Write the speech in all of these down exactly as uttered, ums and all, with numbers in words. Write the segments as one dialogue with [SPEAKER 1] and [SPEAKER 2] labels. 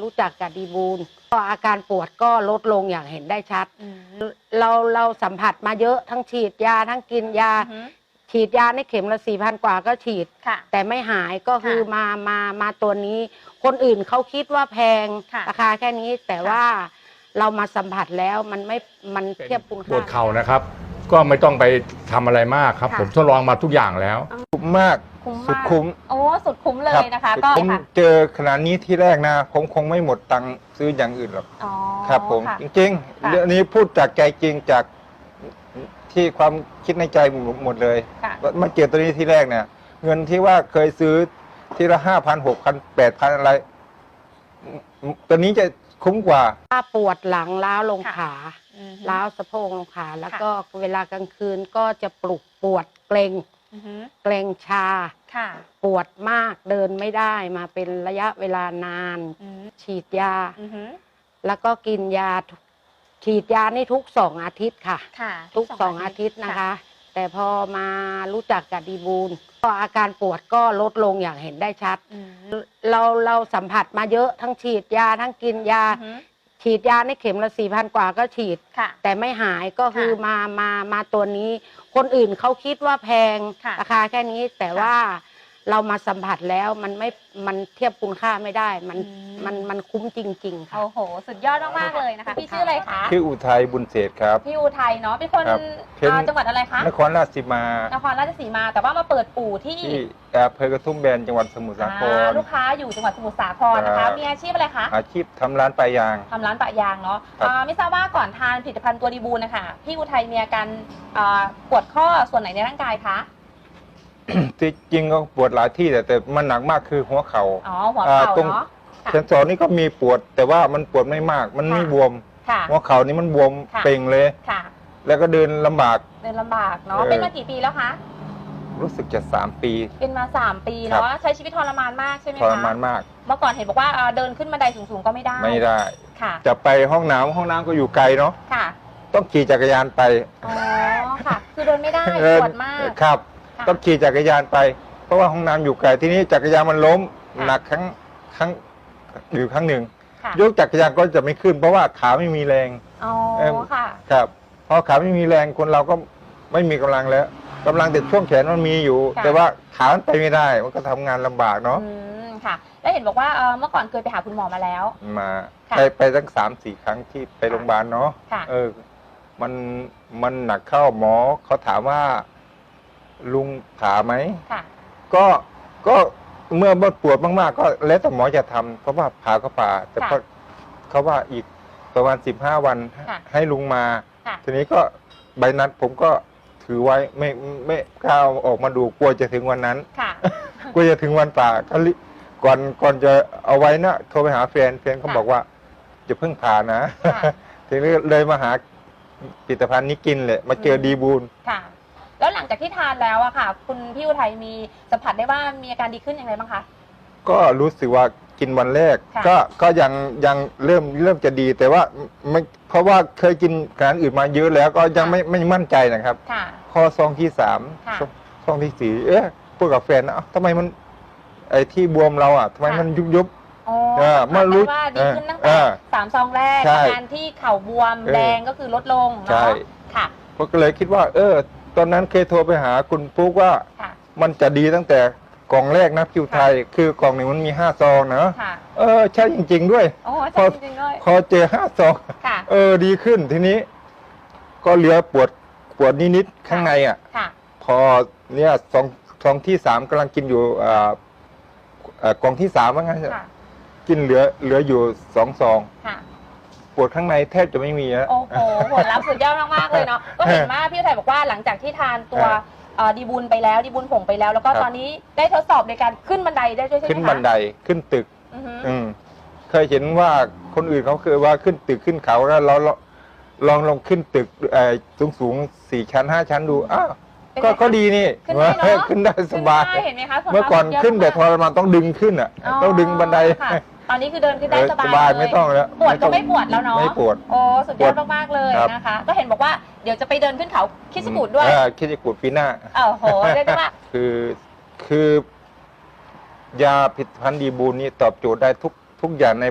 [SPEAKER 1] รู้จักกับดีบูลก็อาการปวดก็ลดลงอย่างเห็นได้ชัดเราเราสัมผัสมาเยอะทั้งฉีดยาทั้งกินยาฉีดยาในเข็มละสี่พันกว่าก็ฉีดแต่ไม่หายก็คือมามามาตัวนี้คนอื่นเขาคิดว่าแพงราคาแค่นี้แต่ว่าเรามาสัมผัสแล้วมันไม่มันเทียบคุณค่า
[SPEAKER 2] ปวดเข่านะครับก็ไม่ต้องไปทำอะไรมากครับผมทดลองมาทุกอย่างแล้ว
[SPEAKER 3] คุ้มมากสุดคุ้ม
[SPEAKER 4] โอ้สุดคุ้มเลยนะคะก็
[SPEAKER 3] ผมเจอขนาดนี้ที่แรกนะผมคงไม่หมดตังค์ซื้ออย่างอื่นหรอกครับผมจริงๆเรื่องนี้พูดจากใจจริงจากที่ความคิดในใจหมดเลยมาเจอตัวนี้ที่แรกเนี่ยเงินที่ว่าเคยซื้อทีละห้าพันหกพันแปดพันอะไรตัวนี้จะคุ้มกว่า
[SPEAKER 1] ถ้าปวดหลังล้าวลงขาล้าวสะโพกลงขาแล้วก็เวลากลางคืนก็จะปลุกปวดเกร็งเกร็งชาปวดมากเดินไม่ได้มาเป็นระยะเวลานานฉีดยาแล้วก็กินยาฉีดยานี่ทุกสองอาทิตย์ค่ะทุกสองอาทิตย์นะคะแต่พอมารู้จักกับดีบูลก็อาการปวดก็ลดลงอย่างเห็นได้ชัดเราเราสัมผัสมาเยอะทั้งฉีดยาทั้งกินยาฉีดยาในเข็มละสี่พันกว่าก็ฉีดแต่ไม่หายก็คือมามามาตัวนี้คนอื่นเขาคิดว่าแพงราคาแค่นี้แต่ว่าเรามาสัมผัสแล้วมันไม่มันเทียบคุณค่าไม่ได้มันมันมันคุ้มจริงๆค่ะ
[SPEAKER 4] โอ้โหสุดยอดมากๆเลยนะคะพี่ชื่ออะไรคะ
[SPEAKER 3] ชื่ออุทัยบุญเศรษฐ์ครับ
[SPEAKER 4] พี่อุทัยเนาะเป็นคนจังหวัดอะไรคะ
[SPEAKER 3] นครราชสีมาน
[SPEAKER 4] ครราชสีมาแต่ว่ามาเปิดอู่ที่
[SPEAKER 3] อำเภอกระทุ่มแบนจังหวัดสมุทรสาคร
[SPEAKER 4] ลูกค้าอยู่จังหวัดสมุทรสาครนะคะมีอาชีพอะไรคะ
[SPEAKER 3] อาชีพทำร้านปะยาง
[SPEAKER 4] ทำร้านปะยางเนาะไม่ทราบว่าก่อนทานผลิตภัณฑ์ตัวดีบูลนะคะพี่อุทัยมีอาการปวดข้อส่วนไหนในร่างกายคะ
[SPEAKER 3] ที่จริงก็ปวดหลายที่แต่แต่มันหนักมากคือหัวเขา
[SPEAKER 4] ่าอ๋อหัวเข่า
[SPEAKER 3] ตรงเซนสอนนี่ก็มีปวดแต่ว่ามันปวดไม่มากมันไม่บวมหัวเข่านี่มันบวมเป่งเลยแล้วก็เดินลำบาก
[SPEAKER 4] เดินลำบากเนาะเป็นมากี่ปีแล้วคะ
[SPEAKER 3] รู้สึกจะสามปี
[SPEAKER 4] เป็นมาสามปีเนาะใช้ชีวิตทรมานมากใช่ไหมคะ
[SPEAKER 3] ทรมานมาก
[SPEAKER 4] เมื่อก่อนเห็นบอกว่าเดินขึ้นบันไดสูงๆก็ไม่ได้
[SPEAKER 3] ไม่ได้
[SPEAKER 4] ค่ะ
[SPEAKER 3] จะไปห้องน้ำห้องน้ำก็อยู่ไกลเนาะ
[SPEAKER 4] ค่ะ
[SPEAKER 3] ต้องขี่จักรยานไป
[SPEAKER 4] อ๋อค่ะคือเดินไม่ได้ปวดมาก
[SPEAKER 3] ครับต้องขี่จักรยานไปเพราะว่าห้องน้ำอยู่ไกลที่นี้จักรยานมันล้มหนักครั้งครั้งอยู่ครั้งหนึ่งยกจักรยานก็จะไม่ขึ้น เพราะว่าขาไม่มีแรง
[SPEAKER 4] อ๋อค่ะ
[SPEAKER 3] ครับพอขาไม่มีแรงคนเราก็ไม่มีกำลังแล้วกำลังแต่ช่วงแขนมันมีอยู่แต่ว่าขามันไปไม่ได้มันก็ทำงานลำบากเนาะ
[SPEAKER 4] อืมค่ะแล้วเห็นบอกว่าเมื่อก่อนเคยไปหาคุณหมอมาแล้ว
[SPEAKER 3] มาไปไปตั้งสามสี่ครั้งที่ไปโรงพยาบาลเนาะเออมันมันหนักเข้าหมอเขาถามว่าลุงผ่าไหมก็ก็เมื่อปวดมากๆก็แล้วแต่หมอจะทำเพราะว่าผ่าก็ผ่าแต่เขาว่าอีกประมาณสิบห้าวันให้ลุงมาทีนี้ก็ใบนัดผมก็ถือไว้ไม่ไม่กล้าออกมาดูกลัวจะถึงวันนั้นกลัวจะถึงวันผ่าก็ก่อนก่อนจะเอาไว้นะโทรไปหาแฟนแฟนเขาบอกว่าจะเพิ่งผ่านะทีนี้เลยมาหาผลิตภัณฑ์นี้กินเลยมาเจอดีบูล
[SPEAKER 4] แล้วหลังจากที่ทานแล้วอะค่ะคุณพี่อุทัยมีสัมผัสได้ว่ามีอาการดีขึ้นอย่างไรบ้างคะ
[SPEAKER 3] ก็รู้สึกว่ากินวันแรกก็ก็ยังยังเริ่มเริ่มจะดีแต่ว่าไม่เพราะว่าเคยกินอาหารอื่นมาเยอะแล้วก็ยังไม่ไม่มั่นใจนะครับพอซองที่สามซองที่สี่เอ๊ะพูดกับแฟนนะทำไมมันไอ้ที่บวมเราอ่ะทำไมมันยุบยุบ
[SPEAKER 4] อ๋อมารู้ว่าดีขึ้นตั้งแต่สามซองแรกอาการที่เข่าบวมแดงก็คือลดลงเนาะค่ะ
[SPEAKER 3] ก็เลยคิดว่าเออตอนนั้นเคยโทรไปหาคุณปุ๊กว่ามันจะดีตั้งแต่กล่องแรกนะคิวไทยคือกล่องหนึ่งมันมีห้าซองนะเออใช่จริงๆด้วย
[SPEAKER 4] พอ
[SPEAKER 3] พอเจอห้าซองเออดีขึ้นทีนี้ก็เหลือปวดปวดนิดๆข้างในอ่ะพอเนี่ยซองซองที่สามกำลังกินอยู่กล่องที่สามว่างั้นกินเหลือเหลืออยู่สองซองปวดข้างในแทบจะไม่มีแล้ว
[SPEAKER 4] โอ้โหผลลัพธ์สุดยอดมากๆเลยเนาะก็เห็นว่าพี่ไทยบอกว่าหลังจากที่ทานตัวดีบูลไปแล้วดีบูลผงไปแล้วแล้วก็ตอนนี้ได้ทดสอบในการขึ้นบันไดได้ด้วยใช่ไหมคะ
[SPEAKER 3] ขึ้นบันไดขึ้นตึกอืมเคยเห็นว่าคนอื่นเขาเคยว่าขึ้นตึกขึ้นเขาแล้วเราลองลองขึ้นตึกสูงสูงสี่ชั้นห้าชั้นดูอ้าวก็ก็ดีนี่ขึ้นได้สบาย
[SPEAKER 4] เห็นไหมคะ
[SPEAKER 3] เมื่อก่อนขึ้นแต่ทรมานต้องดึงขึ้นอ่ะต้องดึงบันได
[SPEAKER 4] ตอนนี้คือเดินขึ้นได้สบาย
[SPEAKER 3] ไม่ต้องแล้ว
[SPEAKER 4] ปวดก็ไม่ปวดแล้วเนาะ
[SPEAKER 3] ไม่ปวด
[SPEAKER 4] โอ้สุดยอดมากๆเลยนะคะก็เห็นบอกว่าเดี๋ยวจะไปเดินขึ้นเขาคิชกูดด้วย
[SPEAKER 3] คิชกูดปีหน้า
[SPEAKER 4] โอ้โหเรียกว่า
[SPEAKER 3] คือคือยาผลิตภัณฑ์ดีบูลนี่ตอบโจทย์ได้ทุกทุกอย่างใน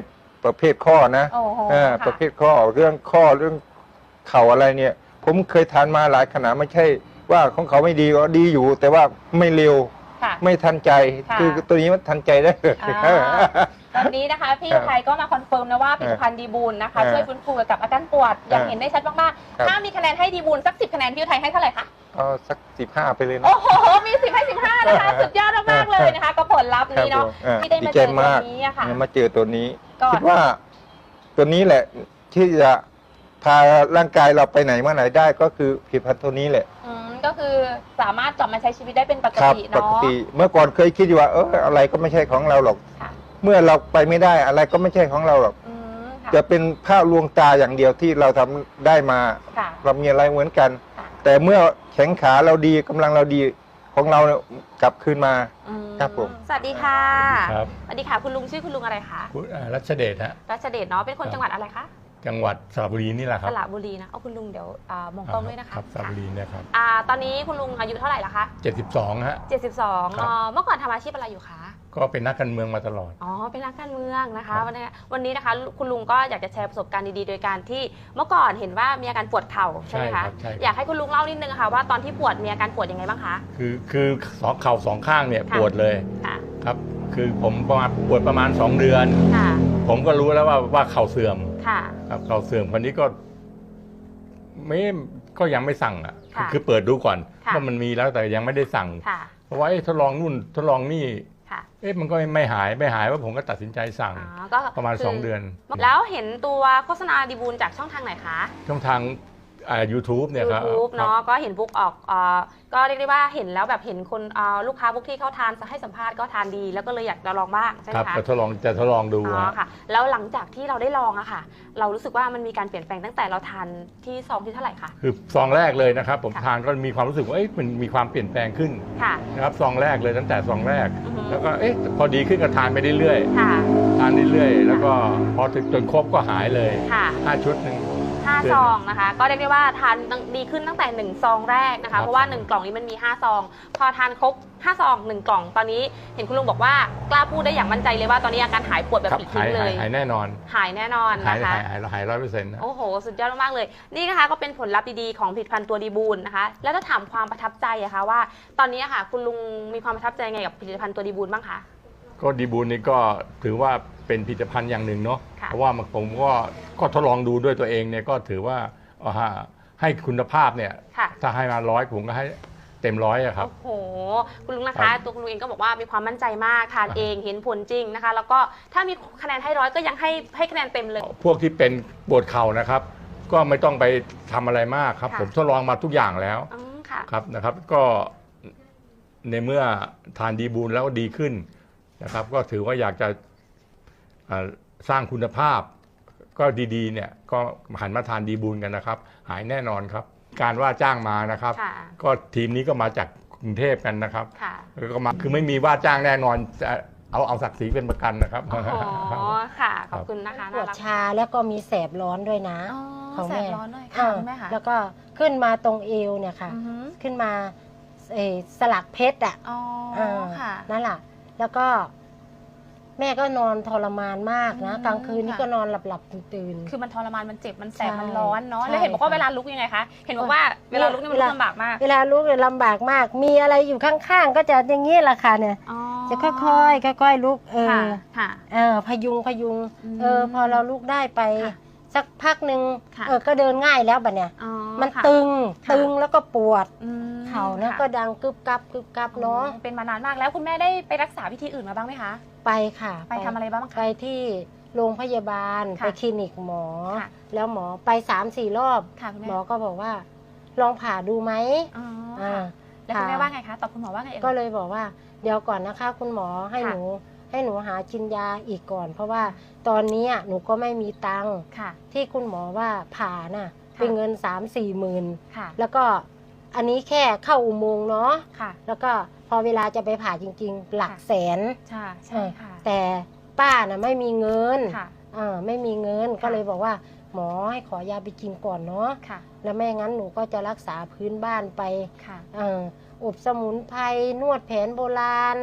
[SPEAKER 3] ประเภทข้อนะ
[SPEAKER 4] โอ้โห
[SPEAKER 3] เออ
[SPEAKER 4] ค่ะ
[SPEAKER 3] ประเภทข้อเรื่องข้อเรื่องเข่าอะไรเนี่ย ผมเคยทานมาหลายขนาดไม่ใช่ว่าของเขาไม่ดีก็ดีอยู่ แต่ว่าไม่เร็ว
[SPEAKER 4] ค่ะ
[SPEAKER 3] ไม่ทันใจ
[SPEAKER 4] ค่ะ
[SPEAKER 3] คือตัวนี้มันทันใจได้เลย
[SPEAKER 4] อ่าตอนนี้นะคะพี่
[SPEAKER 3] ครับ
[SPEAKER 4] ไทยก็มาคอนเฟิร์มนะว่าผลิตภัณฑ์ดีบูลนะคะ
[SPEAKER 3] ครับ
[SPEAKER 4] ช่วยฟื้นฟูเกี่ยวกับอาการปวดอย่าง
[SPEAKER 3] ครับ
[SPEAKER 4] เห็นได้ชัดมาก
[SPEAKER 3] ครับ
[SPEAKER 4] ๆถ้ามีคะแนนให้ดีบูลสักสิบคะแนนพี่ไทยให้เท่าไหร่คะ
[SPEAKER 3] เอาสักสิบห้าไปเลยนะ
[SPEAKER 4] โอ้โหมีสิบให้สิบห้านะคะสุดยอดมากๆเลยนะคะกับผลลัพธ์นี้เนาะ
[SPEAKER 3] ครับผม
[SPEAKER 4] ที่ได้มาเจอตัวนี้อะค่ะ
[SPEAKER 3] มาเจอตัวนี้
[SPEAKER 4] ก็
[SPEAKER 3] คิดว่าตัวนี้แหละที่จะพาร่างกายเราไปไหนมาไหนได้ก็คือผลิตภัณฑ์ตัวนี้แหละ
[SPEAKER 4] อืมก็คือสามารถกลับมาใช้ชีวิตได้เป็นปก
[SPEAKER 3] ครับ
[SPEAKER 4] ติ
[SPEAKER 3] ป
[SPEAKER 4] เนาะ
[SPEAKER 3] กติเมื่อก่อนเคยคิดอยู่ว่าเอออะไรก็ไม่ใช่ของเราหรอก
[SPEAKER 4] ค่ะ
[SPEAKER 3] เมื่อเราไปไม่ได้อะไรก็ไม่ใช่ของเราหรอก
[SPEAKER 4] อืมค่ะ
[SPEAKER 3] จะเป็นภาพลวงตาอย่างเดียวที่เราทำได้มา
[SPEAKER 4] ค่ะ
[SPEAKER 3] เรามีอะไรเหมือนกัน
[SPEAKER 4] ค่ะ
[SPEAKER 3] แต่เมื่อแข็งขาเราดีกำลังเราดีของเราเนี่ยกลับคืนมา
[SPEAKER 4] อืม
[SPEAKER 3] ครับผม
[SPEAKER 4] สวัสดีค่ะ
[SPEAKER 2] ครับ
[SPEAKER 4] สวัสดีค่ะคุณลุงชื่อคุณลุงอะไรคะ
[SPEAKER 2] คุณอ่ารัชเดชฮะ
[SPEAKER 4] รัชเดชเนาะเป็นคน
[SPEAKER 2] ครับ
[SPEAKER 4] จังหวัดอะไรคะ
[SPEAKER 2] จังหวัดสระบุรีนี่แหละค
[SPEAKER 4] ส
[SPEAKER 2] รับ
[SPEAKER 4] ระบุรีนะเอาคุณลุงเดี๋ยวอ่ามองกล้องด้วยนะคะ
[SPEAKER 2] ครับสระบุรีเนี่ยครับ
[SPEAKER 4] อ่าตอนนี้คุณลุงอายุเท่าไหร่ละคะ
[SPEAKER 2] เจ็ดสิบสองฮะ
[SPEAKER 4] เจ็ดสิบสอง
[SPEAKER 2] ครับ
[SPEAKER 4] เอ่อเมื่อก่อนทำอาชีพอะไรอยู่คะ
[SPEAKER 2] ก็เป็นนักการเมืองมาตลอด
[SPEAKER 4] อ๋อเป็นนักการเมืองนะคะ
[SPEAKER 2] ครับ
[SPEAKER 4] วันนี้วันนี้นะคะคุณลุงก็อยากจะแชร์ประสบการณ์ดีๆ โดยการที่เมื่อก่อนเห็นว่ามีอาการปวดเข่าใช่ไหม
[SPEAKER 2] ครั
[SPEAKER 4] คะ
[SPEAKER 2] บใช่
[SPEAKER 4] อยากให้คุณลุงเล่านิดนึงค่ะว่าตอนที่ปวดมีอาการปวดยังไงบ้างคะ
[SPEAKER 2] คือคือสองเข่าสองข้างเนี่ย
[SPEAKER 4] ค่ะ
[SPEAKER 2] ปวดเลย
[SPEAKER 4] ค่ะ
[SPEAKER 2] ครับ คือผมประมาณปวดประมาณสองเดือน
[SPEAKER 4] ค่ะ
[SPEAKER 2] ผมก็รู้แล้วว่าว่าเข่าเสื่อม
[SPEAKER 4] ค่ะ
[SPEAKER 2] ครับเข่าเสื่อมคนนี้ก็ไม่ก็ยังไม่สั่งอ่ะ
[SPEAKER 4] ค่ะ
[SPEAKER 2] คือเปิดดูก่อน
[SPEAKER 4] ค่ะ
[SPEAKER 2] ว่ามันมีแล้วแต่ยังไม่ได้สั่ง
[SPEAKER 4] ค่ะ
[SPEAKER 2] เพราะว่าเอ๊ะทดลองนู่นทดลองนี่
[SPEAKER 4] ค่ะ
[SPEAKER 2] เอ๊ะมันก็ไม่หายไม่หายว่าผมก็ตัดสินใจสั่ง
[SPEAKER 4] อ๋อก็
[SPEAKER 2] ประมาณ
[SPEAKER 4] คื
[SPEAKER 2] สองเดือน
[SPEAKER 4] แล้วเห็นตัวโฆษณาดีบูลจากช่องทางไหนคะ
[SPEAKER 2] ช่องทางอ่า ยูทูบเนี่ยครับ
[SPEAKER 4] YouTube เนาะก็เห็นบุ๊กออกเอ่อก็เรียกได้ว่าเห็นแล้วแบบเห็นคนเอ่อลูกค้าบุ๊กที่เขาทานให้สัมภาษณ์ก็ทานดีแล้วก็เลยอยากจะลองบ้างใช่ไห
[SPEAKER 2] ค
[SPEAKER 4] ม
[SPEAKER 2] รับ
[SPEAKER 4] คะ
[SPEAKER 2] จะทดลองจะทดลองดู
[SPEAKER 4] อ๋อ
[SPEAKER 2] ฮะ
[SPEAKER 4] ค่ะ แล้วหลังจากที่เราได้ลองอะค่ะ เรารู้สึกว่ามันมีการเปลี่ยนแปลงตั้งแต่เราทานที่ซองที่เท่าไหร่คะ
[SPEAKER 2] คือซองแรกเลยนะครับ ผม
[SPEAKER 4] ค่ะ
[SPEAKER 2] ทานก็มีความรู้สึกว่าเอ๊ะมันมีความเปลี่ยนแปลงขึ้น
[SPEAKER 4] ค่ะ
[SPEAKER 2] นะครับซองแรกเลยตั้งแต่ซองแรก
[SPEAKER 4] อือฮึ
[SPEAKER 2] แล้วก็เอ๊ะพอดีขึ้นก็ทานไปเรื่อย
[SPEAKER 4] ค่ะ
[SPEAKER 2] ๆทานเรื่อยๆแล้วก็พอถึงจนครบก็หายเลย
[SPEAKER 4] ค่ะ
[SPEAKER 2] ห้าชุดหนึ่ง
[SPEAKER 4] ห้าซองนะคะ ก็เรียกได้ว่าทานดีขึ้นตั้งแต่หนึ่งซองแรกนะ
[SPEAKER 2] ครั
[SPEAKER 4] คะ
[SPEAKER 2] บ
[SPEAKER 4] เพราะว่าหนึ่งกล่องนี้มันมีห้าซอง พอทานครบห้าซองหนึ่งกล่องตอนนี้เห็นคุณลุงบอกว่ากล้าพูดได้อย่างมั่นใจเลยว่าตอนนี้อาการหายปวดแบบ
[SPEAKER 2] ครับ
[SPEAKER 4] ปลิด
[SPEAKER 2] หา
[SPEAKER 4] ทิ้
[SPEAKER 2] ย
[SPEAKER 4] งเล
[SPEAKER 2] หาย
[SPEAKER 4] ย
[SPEAKER 2] หายแน่นอน
[SPEAKER 4] หายแน่นอน
[SPEAKER 2] หาย
[SPEAKER 4] นะคะ
[SPEAKER 2] หายหายหายร้อยเปอร์เซ็นต์นะ
[SPEAKER 4] โอ้โห สุดยอดมากๆเลย นี่นะคะก็เป็นผลลัพธ์ดีๆของผลิตภัณฑ์ตัวดีบูลนะคะ แล้วถ้าถามความประทับใจอะคะว่า ตอนนี้อะค่ะ คุณลุงมีความประทับใจไงกับผลิตภัณฑ์ตัวดีบูลบ้างคะ
[SPEAKER 2] ก็ดีบูลนี่ก็ถือว่าเป็นผลิตภัณฑ์อย่างหนึ่งเนาะ
[SPEAKER 4] ค่ะ
[SPEAKER 2] เพราะว่ามันผมก็ก็ทดลองดูด้วยตัวเองเนี่ยก็ถือว่าเอาฮะให้คุณภาพเนี่ย
[SPEAKER 4] ค่ะ
[SPEAKER 2] ถ้าให้มาร้อยผมก็ให้เต็มร้อยอะครับ
[SPEAKER 4] โอ้โห คุณลุงนะ
[SPEAKER 2] ครั
[SPEAKER 4] คะ
[SPEAKER 2] บ
[SPEAKER 4] ตัวคุณลุงเองก็บอกว่ามีความมั่นใจมาก ทานเองเห็นผลจริงนะคะ แล้วก็ถ้ามีคะแนนให้ร้อยก็ยังให้ให้คะแนนเต็มเลย
[SPEAKER 2] พวกที่เป็นปวดเข่านะครับ ก็ไม่ต้องไปทำอะไรมากครับ
[SPEAKER 4] ค่ะ
[SPEAKER 2] ผมทดลองมาทุกอย่างแล้ว
[SPEAKER 4] อืมค่ะ
[SPEAKER 2] ครับนะครับ ก็ในเมื่อทานดีบูลแล้วดีขึ้นนะครับ ก็ถือว่าอยากจะอ่าสร้างคุณภาพ ก็ดีๆเนี่ยก็หันมาทานดีบูลกันนะครับ หายแน่นอนครับ การว่าจ้างมานะครับ
[SPEAKER 4] ค่ะ
[SPEAKER 2] ก็ทีมนี้ก็มาจากกรุงเทพกันนะครับ
[SPEAKER 4] ค่ะ
[SPEAKER 2] แล้วก็มาคือไม่มีว่าจ้างแน่นอนจะเอาเอาศักดิ์ศรีเป็นประกันนะครับ
[SPEAKER 4] โอ้โหค่ะ ขอบคุณนะคะ
[SPEAKER 1] ปวด
[SPEAKER 4] น่ารัก
[SPEAKER 1] ชาแล้วก็มีแสบร้อนด้วยนะ
[SPEAKER 4] อ๋อ
[SPEAKER 1] ของ
[SPEAKER 4] แส
[SPEAKER 1] แม่
[SPEAKER 4] บร้อนด้วย
[SPEAKER 1] เอ
[SPEAKER 4] ค่ะ
[SPEAKER 1] อ
[SPEAKER 4] คุณแม่ค่ะ
[SPEAKER 1] แล้วก็ขึ้นมาตรงเอวเนี่ยค่ะ
[SPEAKER 4] อือฮึ
[SPEAKER 1] ขึ้นมาเอ่อสลักเพชรอ่ะ
[SPEAKER 4] อ๋อ
[SPEAKER 1] เออ
[SPEAKER 4] ค่ะ
[SPEAKER 1] นั่นแหละแล้วก็ แม่ก็นอนทรมานมากนะ
[SPEAKER 4] อืม
[SPEAKER 1] กลางคืนนี่
[SPEAKER 4] ค่ะ
[SPEAKER 1] ก็นอนหลับหลับๆตื่น
[SPEAKER 4] คือมันทรมาน มันเจ็บ มันแสบ
[SPEAKER 1] ใช่
[SPEAKER 4] มันร้อนเนาะ
[SPEAKER 1] ใช่
[SPEAKER 4] แล้วเห็นบอกว่า
[SPEAKER 1] ค่ะ
[SPEAKER 4] เวลาลุกยังไงคะ เห็นบอกว่าเวลาลุกนี่มัน
[SPEAKER 1] เว
[SPEAKER 4] ลุ
[SPEAKER 1] ลา
[SPEAKER 4] กลำบากมาก
[SPEAKER 1] ๆเวลาลุกเนี่ยลำบากมาก มีอะไรอยู่ข้างๆ ก็จะอย่างนี้แหละค่ะเนี่ย
[SPEAKER 4] อ๋อ
[SPEAKER 1] จะค่อยๆค่อยๆลุกเอ
[SPEAKER 4] ค่ะ
[SPEAKER 1] อ
[SPEAKER 4] ค่ะ
[SPEAKER 1] เออพยุงพยุง
[SPEAKER 4] อืม
[SPEAKER 1] เออ พอเราลุกได้ไป
[SPEAKER 4] ค่ะ
[SPEAKER 1] สักพักหนึ่ง
[SPEAKER 4] ค่ะ
[SPEAKER 1] เออก็เดินง่ายแล้วบัดเนี่ย
[SPEAKER 4] อ๋อ
[SPEAKER 1] มัน
[SPEAKER 4] ค่ะ
[SPEAKER 1] ตึง
[SPEAKER 4] ค่ะ
[SPEAKER 1] ตึงแล้วก็ปวด
[SPEAKER 4] อืม
[SPEAKER 1] เข่าเนี่ย
[SPEAKER 4] ค่ะ
[SPEAKER 1] ก็ดังกึบกับกึบกับเนาะ
[SPEAKER 4] อ๋อเป็นมานานมากแล้วคุณแม่ได้ไปรักษาวิธีอื่นมาบ้างไหมคะ
[SPEAKER 1] ไปค่ะ
[SPEAKER 4] ไปทำอะไรบ้าง
[SPEAKER 1] ไป
[SPEAKER 4] คะ
[SPEAKER 1] ที่โรงพยาบาล
[SPEAKER 4] ค่ะ
[SPEAKER 1] ไปคลินิกหมอ
[SPEAKER 4] ค่ะ
[SPEAKER 1] แล้วหมอไปสามสี่รอบ
[SPEAKER 4] ค่ะคุณ
[SPEAKER 1] ห
[SPEAKER 4] แม่
[SPEAKER 1] มอก็บอกว่า ลองผ่าดูไหม
[SPEAKER 4] อ๋อ
[SPEAKER 1] อ่า
[SPEAKER 4] ค่ะแล้วคุณแม่ว่าไงคะ ตอบคุณหมอว่าไงเอ่ย
[SPEAKER 1] ก็เลยบอกว่า เดี๋ยวก่อนนะคะ คุณหมอให้
[SPEAKER 4] ค่ะ
[SPEAKER 1] หนูให้หนูหากินยาอีกก่อน เพราะว่าตอนนี้หนูก็ไม่มีตังค์
[SPEAKER 4] ค่ะ
[SPEAKER 1] ที่คุณหมอว่าผ่าน่ะ
[SPEAKER 4] ค่ะ
[SPEAKER 1] เป็นเงินสามสี่หมื่น
[SPEAKER 4] ค่ะ
[SPEAKER 1] แล้วก็อันนี้แค่เข้าอุโมงค์เนาะ
[SPEAKER 4] ค่ะ
[SPEAKER 1] แล้วก็พอเวลาจะไปผ่าจริง ๆ หลัก
[SPEAKER 4] ค่ะ
[SPEAKER 1] แสน
[SPEAKER 4] ใช่ใช่ค่ะ
[SPEAKER 1] แต่ป้าน่ะไม่มีเงิน
[SPEAKER 4] ค่ะ
[SPEAKER 1] เออไม่มีเงิน
[SPEAKER 4] ค่ะ
[SPEAKER 1] ก็เลยบอกว่า หมอให้ขอยาไปกินก่อนเนาะ
[SPEAKER 4] ค่ะ
[SPEAKER 1] แล้วไม่งั้นหนูก็จะรักษาพื้นบ้านไป
[SPEAKER 4] ค่ะ
[SPEAKER 1] เอออบสมุนไพรนวดแผนโบราณ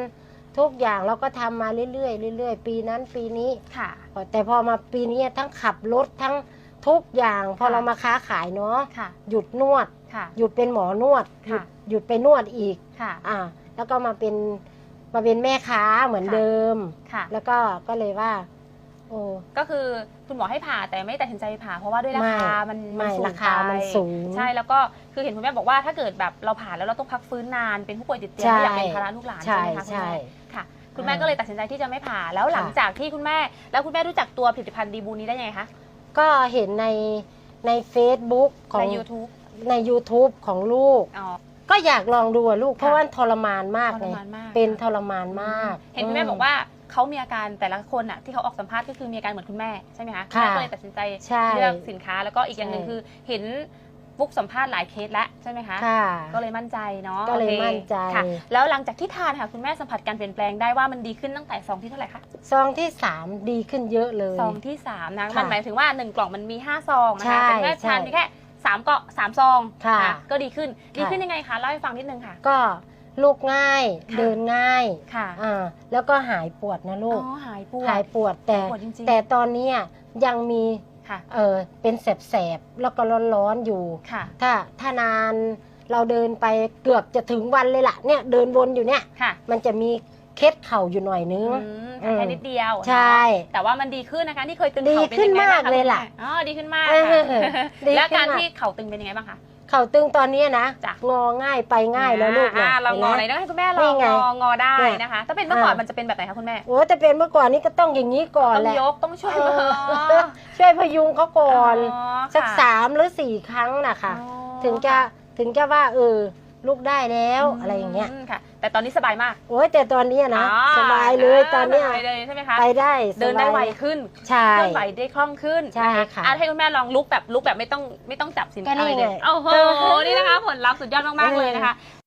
[SPEAKER 1] ทุกอย่างเราก็ทำมาเรื่อยๆเรื่อยๆปีนั้นปีนี้
[SPEAKER 4] ค่ะ
[SPEAKER 1] แต่พอมาปีนี้ทั้งขับรถทั้งทุกอย่างพอ
[SPEAKER 4] ค่ะ
[SPEAKER 1] เรามาค้าขายเนาะ
[SPEAKER 4] ค่ะ
[SPEAKER 1] หยุดนวด
[SPEAKER 4] ค่ะ
[SPEAKER 1] หยุดเป็นหมอนวดหยุ
[SPEAKER 4] ค่ะ
[SPEAKER 1] ดหยุดไปนวดอีก
[SPEAKER 4] ค่ะ
[SPEAKER 1] อ่าแล้วก็มาเป็นมาเป็นแม่ค้าเหมือน
[SPEAKER 4] ค่ะ
[SPEAKER 1] เดิม
[SPEAKER 4] ค่ะ
[SPEAKER 1] แล้วก็ก็เลยว่าโอ้
[SPEAKER 4] ก็คือคุณหมอให้ผ่าแต่ไม่ตัดสินใจผ่าเพราะว่าด้วยราคามัน
[SPEAKER 1] ไม่
[SPEAKER 4] นสูง
[SPEAKER 1] ราคามัน
[SPEAKER 4] ไป
[SPEAKER 1] สูง
[SPEAKER 4] ใช่แล้วก็คือเห็นคุณแม่บอกว่าถ้าเกิดแบบเราผ่าแล้วเราต้องพักฟื้นนานเป็นผู้ป่วยติดเตียง
[SPEAKER 1] ใช่
[SPEAKER 4] ไม่อยากเป็นภาระลูกหลาน
[SPEAKER 1] ใช่
[SPEAKER 4] ใช่ไหมคะคุณ
[SPEAKER 1] ใช่
[SPEAKER 4] แม่ค่ะ คุณแม่
[SPEAKER 1] อ่า
[SPEAKER 4] ก็เลยตัดสินใจที่จะไม่ผ่าแล้วหลัง
[SPEAKER 1] ค่ะ
[SPEAKER 4] จากที่คุณแม่แล้วคุณแม่รู้จักตัวผลิตภัณฑ์ดีบูนี้ได้ยังไงคะ
[SPEAKER 1] ก็เห็นในใน Facebook ของ
[SPEAKER 4] ใน ยูทูบ
[SPEAKER 1] ใน YouTube ของลูก
[SPEAKER 4] อ๋อ
[SPEAKER 1] ก็อยากลองดูอะลูก
[SPEAKER 4] ค่ะ
[SPEAKER 1] เพราะว่าทรมานมาก
[SPEAKER 4] ท
[SPEAKER 1] เล
[SPEAKER 4] ร
[SPEAKER 1] ย
[SPEAKER 4] มานมาก
[SPEAKER 1] เป็นทรมานมาก
[SPEAKER 4] เห็นคุณแม่บอกว่าเขามีอาการแต่ละคนอ่ะที่เขาออกสัมภาษณ์ก็คือมีอาการเหมือนคุณแม่ใช่ไหมคะคุณ
[SPEAKER 1] ค่ะ
[SPEAKER 4] แม่ก็เลยตัดสินใจ
[SPEAKER 1] ใช่
[SPEAKER 4] เลือกสินค้าแล้วก็อีกอย่างหนึ่ง
[SPEAKER 1] ใช่
[SPEAKER 4] คือเห็นฟุกสัมภาษณ์หลายเคสแล้วใช่ไหมคะ
[SPEAKER 1] ค่ะ
[SPEAKER 4] ก็เลยมั่นใจเนาะ
[SPEAKER 1] ก็เลย
[SPEAKER 4] โอค
[SPEAKER 1] มั่นใจ
[SPEAKER 4] ค่ะ แล้วหลังจากที่ทานค่ะคุณแม่สัมผัสการเปลี่ยนแปลงได้ว่ามันดีขึ้นตั้งแต่ซองที่เท่าไหร่คะ
[SPEAKER 1] ซองที่สามดีขึ้นเยอะเลย
[SPEAKER 4] ซองที่สามนะ
[SPEAKER 1] ค่ะ
[SPEAKER 4] มันหมายถึงว่าหนึ่งกล่องมันมีห้าซองนะ
[SPEAKER 1] ใช่
[SPEAKER 4] คะแต่คุณแม่ทาน
[SPEAKER 1] ใช่
[SPEAKER 4] เพียงแค่สามเกาะสามซอง
[SPEAKER 1] ค่ะ
[SPEAKER 4] นก็ดีขึ้นดี
[SPEAKER 1] ค่ะ
[SPEAKER 4] ขึ้นยังไงคะเล่าให้ฟังนิดนึงค่ะ
[SPEAKER 1] ก็ลูกง่าย
[SPEAKER 4] ค่ะ
[SPEAKER 1] เดินง่าย
[SPEAKER 4] ค่ะ
[SPEAKER 1] อ่าแล้วก็หายปวดนะ
[SPEAKER 4] อ๋
[SPEAKER 1] ลูก
[SPEAKER 4] อหายปวด
[SPEAKER 1] หายปวดแต่
[SPEAKER 4] หายปวดจริงๆ
[SPEAKER 1] แต่ตอนเนี้ยยังมี
[SPEAKER 4] ค่ะ
[SPEAKER 1] เออเป็นแสบๆแล้วก็ร้อนๆอยู่
[SPEAKER 4] ค่ะ
[SPEAKER 1] ถ้าถ้านานเราเดินไปเกือบจะถึงวันเลยล่ะเนี่ยเดินวนอยู่เนี่ย
[SPEAKER 4] ค่ะ
[SPEAKER 1] มันจะมีเคล็ดเข่าอยู่หน่อยนึง
[SPEAKER 4] อืม
[SPEAKER 1] อืม
[SPEAKER 4] แค่นิดเดียว
[SPEAKER 1] ใช่
[SPEAKER 4] เนาะแต่ว่ามันดีขึ้นนะคะที่เคยตึง
[SPEAKER 1] ดี
[SPEAKER 4] เข่าเป็น
[SPEAKER 1] ขึ้น
[SPEAKER 4] ยังไงบ้าง
[SPEAKER 1] มาก
[SPEAKER 4] คะ
[SPEAKER 1] เลยล่ะ
[SPEAKER 4] คุณแม่อ๋อดีขึ้นมาก
[SPEAKER 1] เออ
[SPEAKER 4] ค่ะ
[SPEAKER 1] ดีขึ้น
[SPEAKER 4] แล้วการ
[SPEAKER 1] มาก
[SPEAKER 4] ที่เข่าตึงเป็นยังไงบ้างคะ
[SPEAKER 1] เข่าตึงตอนเนี้ยนะ
[SPEAKER 4] จ้ะ
[SPEAKER 1] งอง่ายไปง่ายแล้วลูก
[SPEAKER 4] อ่า
[SPEAKER 1] นะ
[SPEAKER 4] เรางอไหน
[SPEAKER 1] ห็นไหม
[SPEAKER 4] ต้องให้คุณแม่ล
[SPEAKER 1] นี่
[SPEAKER 4] อง
[SPEAKER 1] ไง
[SPEAKER 4] งองอได้
[SPEAKER 1] เนี่ย
[SPEAKER 4] นะคะ ถ้าเป็นเมื่อก่อน
[SPEAKER 1] อ่ามั
[SPEAKER 4] มันจะเป็นแบบไหนคะคุณแม่
[SPEAKER 1] โอ้แต่เป็นเมื่อก่อนนี้ก็ต้องอย่างนี้ก่อน
[SPEAKER 4] ต้อง
[SPEAKER 1] แหละ
[SPEAKER 4] ยกต้องช่วย
[SPEAKER 1] เอ
[SPEAKER 4] มือ
[SPEAKER 1] อช่วยพยุงเขาก่อน
[SPEAKER 4] อ๋อ
[SPEAKER 1] สัก
[SPEAKER 4] ค่ะ
[SPEAKER 1] สามหรือสี่ครั้งนะคะ
[SPEAKER 4] อ๋อ
[SPEAKER 1] ถึงจะถึงจะว่าเออลูกได้แล้ว
[SPEAKER 4] ม
[SPEAKER 1] อะไรอย่างเงี้ย
[SPEAKER 4] ค่ะ แต่ตอนนี้สบายมาก
[SPEAKER 1] โอ้ยแต่ตอนเนี้ยนะ
[SPEAKER 4] อ๋อ
[SPEAKER 1] สบายเลยตอนเนี้ย
[SPEAKER 4] สบายเลยใช่ไหมคะ
[SPEAKER 1] ไปได้
[SPEAKER 4] เดินได้
[SPEAKER 1] สบาย
[SPEAKER 4] ไวขึ้น
[SPEAKER 1] ใช่
[SPEAKER 4] เคลื่อนไหวได้คล่องขึ้น
[SPEAKER 1] ใช่
[SPEAKER 4] น
[SPEAKER 1] ค่ะ
[SPEAKER 4] อ่ให้คุณแม่ลองลุกแบบลุกแบบไม่ต้องไม่ต้องจับสิน
[SPEAKER 1] ก็
[SPEAKER 4] ค้า
[SPEAKER 1] นี่
[SPEAKER 4] อะไรเลย
[SPEAKER 1] ไง
[SPEAKER 4] โอ้โห นี่นะคะ ผลลัพธ์สุดยอดมากๆเลยนะคะ